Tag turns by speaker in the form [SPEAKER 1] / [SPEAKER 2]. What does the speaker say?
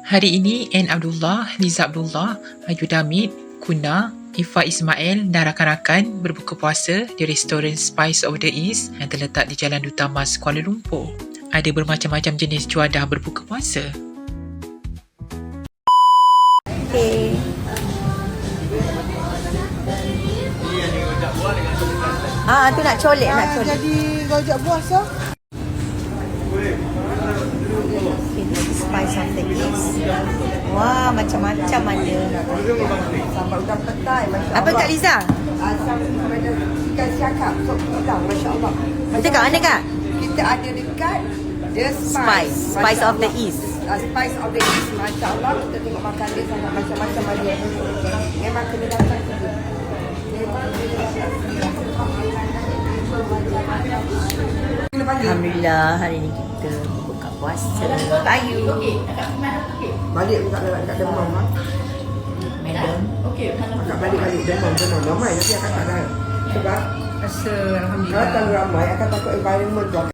[SPEAKER 1] Hari ini N. Abdullah, Liza Abdullah, Ayu Damit, Kuna, Ifa Ismail dan rakan-rakan berbuka puasa di restoran Spice of the East yang terletak di Jalan Duta Mas, Kuala Lumpur. Ada bermacam-macam jenis juadah berbuka puasa.
[SPEAKER 2] Okay. Tu nak colek, nak colek.
[SPEAKER 3] Jadi rojak buah so.
[SPEAKER 2] Okay, this is Spice of the East. Wah, macam-macam ada.
[SPEAKER 3] Sampai udang petai, Masya Allah.
[SPEAKER 2] Apa Kak Liza?
[SPEAKER 3] Asam ada ikan siakap, sop udang, Masya Allah.
[SPEAKER 2] Kita kat mana Kak?
[SPEAKER 3] Kita ada dekat The
[SPEAKER 2] Spice.
[SPEAKER 3] Spice.
[SPEAKER 2] Spice
[SPEAKER 3] Masya
[SPEAKER 2] of the
[SPEAKER 3] Allah.
[SPEAKER 2] East.
[SPEAKER 3] Spice of the East, Masya Allah. Kita tengok makan dia sangat macam-macam ada. Memang kena datang ke dia.
[SPEAKER 2] Alhamdulillah, hari ni kita buka puasa. Bayu.
[SPEAKER 3] Balik pun tak demam.
[SPEAKER 2] Madam.
[SPEAKER 3] Akak balik demam. Ramai tapi akak tak ada. Sebab
[SPEAKER 2] Rasa
[SPEAKER 3] kalau tak ramai, akak takut environment tu.